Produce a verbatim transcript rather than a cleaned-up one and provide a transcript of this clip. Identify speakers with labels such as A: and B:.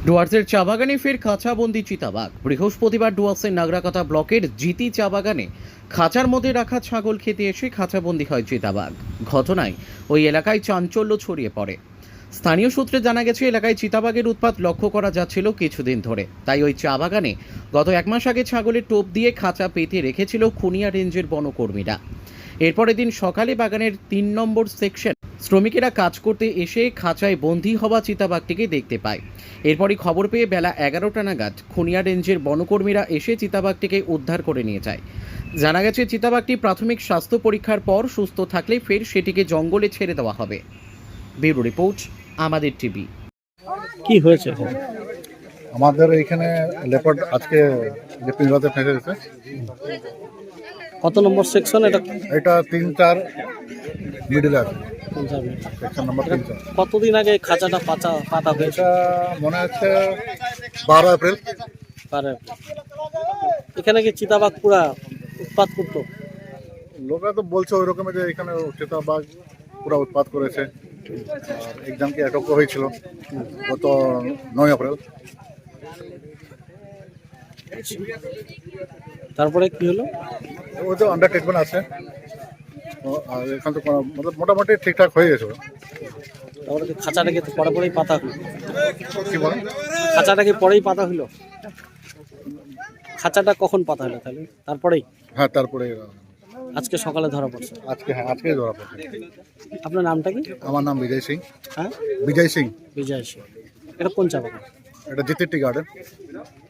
A: ডুয়ার্সের চা বাগানে ফের খাঁচাবন্দি চিতাবাঘ। বৃহস্পতিবার ডুয়ার্সের নাগরাকাটা ব্লকের জিতি চা বাগানে খাঁচার মধ্যে রাখা ছাগল খেতে এসে খাঁচাবন্দি হয় চিতাবাঘ। ঘটনায় ওই এলাকায় চাঞ্চল্য ছড়িয়ে পড়ে। স্থানীয় সূত্রে জানা গেছে, এলাকায় চিতাবাঘের উৎপাত লক্ষ্য করা যাচ্ছিল কিছুদিন ধরে। তাই ওই চা বাগানে গত এক মাস আগে ছাগলের টোপ দিয়ে খাঁচা পেতে রেখেছিল খুনিয়া রেঞ্জের বনকর্মীরা। এরপরে দিন সকালে বাগানের তিন নম্বর সেকশন শ্রমিকেরা কাজ করতে এসে খাঁচায় বন্দী হওয়া চিতাবাঘটিকে দেখতে পায়। এরপরই খবর পেয়ে বেলা এগারোটা নাগাদ খুনিয়া রেঞ্জের বনকর্মীরা এসে চিতাবাঘটিকে উদ্ধার করে নিয়ে যায়। জানা গেছে, চিতাবাঘটি প্রাথমিক স্বাস্থ্য পরীক্ষার পর সুস্থ থাকলে ফের সেটিকে জঙ্গলে ছেড়ে দেওয়া হবে। ব্যুরো রিপোর্ট, আমাদের টিভি।
B: কি হয়েছে?
C: আমাদের এইখানে লেপার্ড আজকে যে পিঞ্জরাতে ফেঁসে গেছে।
B: কত নম্বর সেকশন এটা?
C: এটা তিন চার মিডিলে আছে, সেকশন নাম্বার তিন চার।
B: কতদিন আগে খাঁচাটা পাতা পাতা হয়েছে?
C: এটা মনে হচ্ছে বারো এপ্রিল।
B: পারে এখানে কি চিতাবাঘ পুরা উৎপাত করতো?
C: লোকরা তো বলছে ওই রকমের যে এখানে চিতাবাঘ পুরো উৎপাত করেছে। আর একজনকে অ্যাটক হয়েছিল গত নয় এপ্রিল।
B: তারপরে কি হলো?
C: ওই তো আন্ডার ট্রিটমেন্ট আছে। ও, আর এখান তো কোনো- মতলব মোটামুটি ঠিকঠাক হয়ে গেছে।
B: তারপরে কি খাঁচাটাকে তো পরে পরেই পাতা হলো?
C: কি বলেন?
B: খাঁচাটাকে পরেই পাতা হলো? খাঁচাটা কখন পাতা হলো তাহলে? তারপরেই?
C: হ্যাঁ, তারপরে
B: আজকে সকালে ধরা পড়ছে।
C: আজকে হ্যাঁ আজকে ধরা পড়ছে।
B: আপনার নামটা কি?
C: আমার নাম বিজয় সিং।
B: হ্যাঁ,
C: বিজয় সিং।
B: বিজয় সিং। এটা কোন চা বাগান?
C: এটা জিতির টি গার্ডেন।